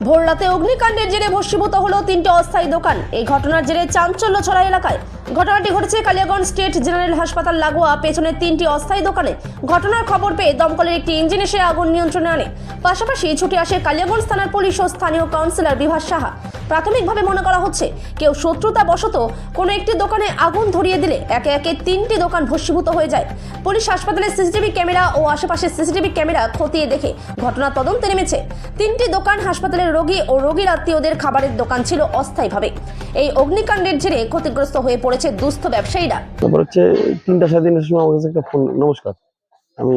ভোর রাতে অগ্নিকাণ্ডের জেরে ভস্মীভূত হলো 3টি অস্থায়ী দোকান। এই ঘটনার জেরে চাঞ্চল্য ছড়া এলাকায়। ঘটনাটি ঘটেছে কালিয়াগঞ্জ স্টেট জেনারেল হাসপাতাল লাগোয়া পেছনের 3টি অস্থায়ী দোকানে। ঘটনার খবর পেয়ে দমকলের একটি ইঞ্জিন এসে আগুন নিয়ন্ত্রণে আনে। পাশাপাশি ছুটে আসে কালিয়াগঞ্জ থানার পুলিশ ও স্থানীয় কাউন্সিলর বিভাস সাহা। প্রাথমিকভাবে মনে করা হচ্ছে কেউ শত্রুতা বশত কোনো একটি দোকানে আগুন ধরিয়ে দিলে একে একে 3টি দোকান ভস্মীভূত হয়ে যায়। পুলিশ হাসপাতালের সিসিটিভি ক্যামেরা ও আশেপাশের সিসিটিভি ক্যামেরা খতিয়ে দেখে ঘটনা তদন্তে নেমেছে। 3টি দোকান হাসপাতালের রোগী ও রোগীর আত্মীয়দের খাবারের দোকান ছিল অস্থায়ীভাবে। এই অগ্নিকাণ্ডের জেরে ক্ষতিগ্রস্ত হয়ে পড়েছে দুস্থ ব্যবসায়ীরা। তারপর হচ্ছে 3টা 3:30 সময় আমার কাছে একটা ফোন। নমস্কার, আমি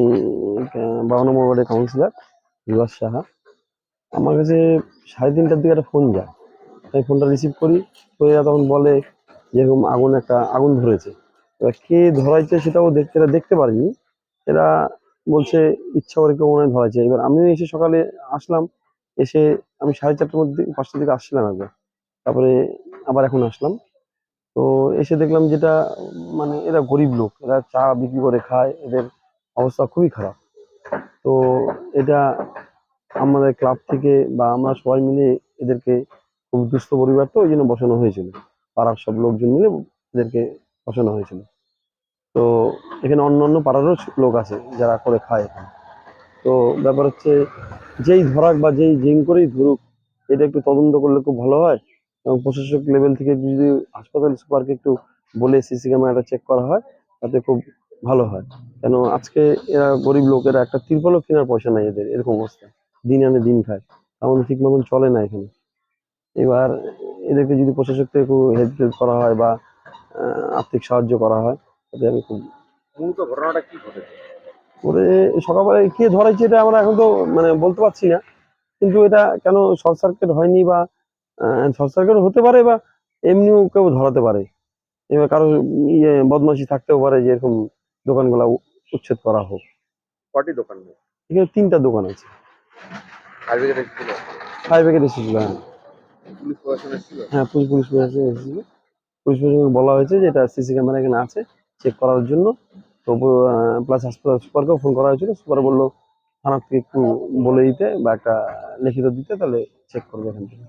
52 নম্বর ওয়ার্ডের কাউন্সিলর বিভাস সাহা। আমার কাছে 3:30টার দিকে একটা ফোন যায়। আমি ফোনটা রিসিভ করি, তো এরা তখন বলে যেরকম আগুন ধরেছে। এবার কে ধরাইছে সেটাও দেখতে পারিনি। এরা বলছে ইচ্ছা করে কেউ মনে হয় ধরাইছে। এবার আমিও এসে সকালে আসলাম, এসে আমি 4:30টার মধ্যে 5টার দিকে আসছিলাম একবার, তারপরে আবার এখন আসলাম। তো এসে দেখলাম যেটা মানে এরা গরিব লোক, এরা চা বিক্রি করে খায়, এদের অবস্থা খুবই খারাপ। তো এটা আমাদের ক্লাব থেকে বা আমরা সবাই মিলে এদেরকে, খুব দুস্থ পরিবার তো ওই জন্য বসানো হয়েছিল, পাড়ার সব লোকজন মিলে এদেরকে বসানো হয়েছিল। তো এখানে অন্য পাড়ারও লোক আছে যারা করে খায় এখানে। তো ব্যাপার হচ্ছে যেই ধরাক বা যেই জিং করেই ধরুক, এটা একটু তদন্ত করলে খুব ভালো হয়। এবং প্রশাসক লেভেল থেকে যদি হাসপাতাল সুপারকে একটু বলে সিসি ক্যামেরাটা চেক করা হয়, তাতে খুব ভালো হয়। কেন আজকে এরা গরিব লোকেরা, একটা তিরপলও কেনার পয়সা নাই এদের, এরকম অবস্থা। দিন আনে দিন খায়, তেমন ঠিক মতন চলে না এখানে। এবার এদেরকে যদি প্রশাসক থেকে একটু হেল্প করা হয় বা আর্থিক সাহায্য করা হয়, তাতে আমি খুব। মূলত ঘটনাটা কি ঘটেছে? করে সকালবেলা কে ধরাইছে এটা আমরা এখন তো মানে বলতে পারছি না, কিন্তু এটা কেন শর্ট সার্কিট হয়নি বা শর্ট সার্কিট হতে পারে বা এমনিও কেউ ধরাতে পারে। এবার কারো বদমাশি থাকতেও পারে যে এরকম দোকানগুলা উচ্ছেদ করা হোক। কটি দোকান নেই? এখানে 3টা দোকান আছে। ফায়ার ব্রিগেড এসেছিল? ফায়ার ব্রিগেড এসেছিল, হ্যাঁ। পুলিশ প্রশাসন এসেছিল? হ্যাঁ, পুলিশ প্রশাসন এসেছিল। পুলিশ প্রশাসনকে বলা হয়েছে যে এটা সিসি ক্যামেরা এখানে আছে, চেক করার জন্য। তো প্লাস হাসপাতাল সুপারকেও ফোন করা হয়েছিল। সুপার বললো থানার থেকে একটু বলে দিতে বা একটা লিখিত দিতে, তাহলে চেক করবে এখান থেকে।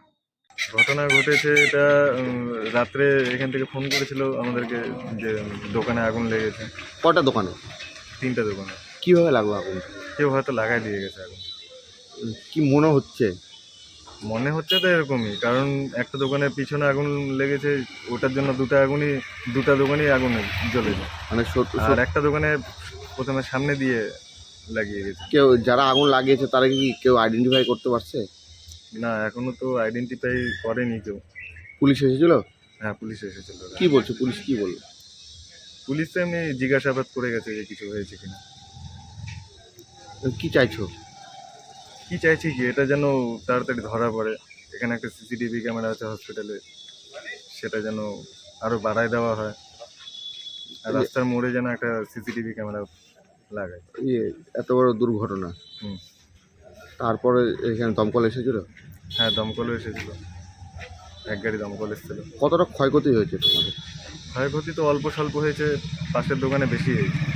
ঘটনা ঘটেছে এটা রাত্রে এখান থেকে ফোন করেছিল আমাদেরকে যে দোকানে আগুন লেগেছে। কটা দোকানে? 3টা দোকানে। কিভাবে লাগলো আগুন? কেউ হয়তো লাগাই দিয়ে গেছে আগুন। কি মনে হচ্ছে? মনে হচ্ছে তো এরকমই, কারণ একটা দোকানের পিছনে আগুন লেগেছে, ওটার জন্য দুটা দোকানই আগুন জ্বলেছে। মানে আর একটা দোকানে প্রথমে সামনে দিয়ে লাগিয়ে গেছে। কেউ যারা আগুন লাগিয়েছে তারা কি কেউ আইডেন্টিফাই করতে পারছে? না, এখনো তো আইডেন্টিফাই করেনি কেউ। পুলিশ এসেছিল? হ্যাঁ, পুলিশ এসেছিল। কি বলছে পুলিশ, কি বললো? পুলিশ তো এমনি জিজ্ঞাসাবাদ করে গেছে যে কিছু হয়েছে কিনা। কি চাইছো? কি চাইছি কি, এটা যেন তাড়াতাড়ি ধরা পড়ে। এখানে একটা সিসিটিভি ক্যামেরা আছে হসপিটালে, সেটা যেন আরো বাড়ায় দেওয়া হয়। আর রাস্তার মোড়ে যেন একটা সিসিটিভি ক্যামেরা লাগায়। এত বড় দুর্ঘটনা, হুম। তারপরে এখানে দমকল এসেছিল? হ্যাঁ, দমকলও এসেছিল, এক গাড়ি দমকল এসেছিল। কতটা ক্ষয়ক্ষতি হয়েছে তোমাদের? ক্ষয়ক্ষতি তো অল্প স্বল্প হয়েছে, পাশের দোকানে বেশি হয়েছে।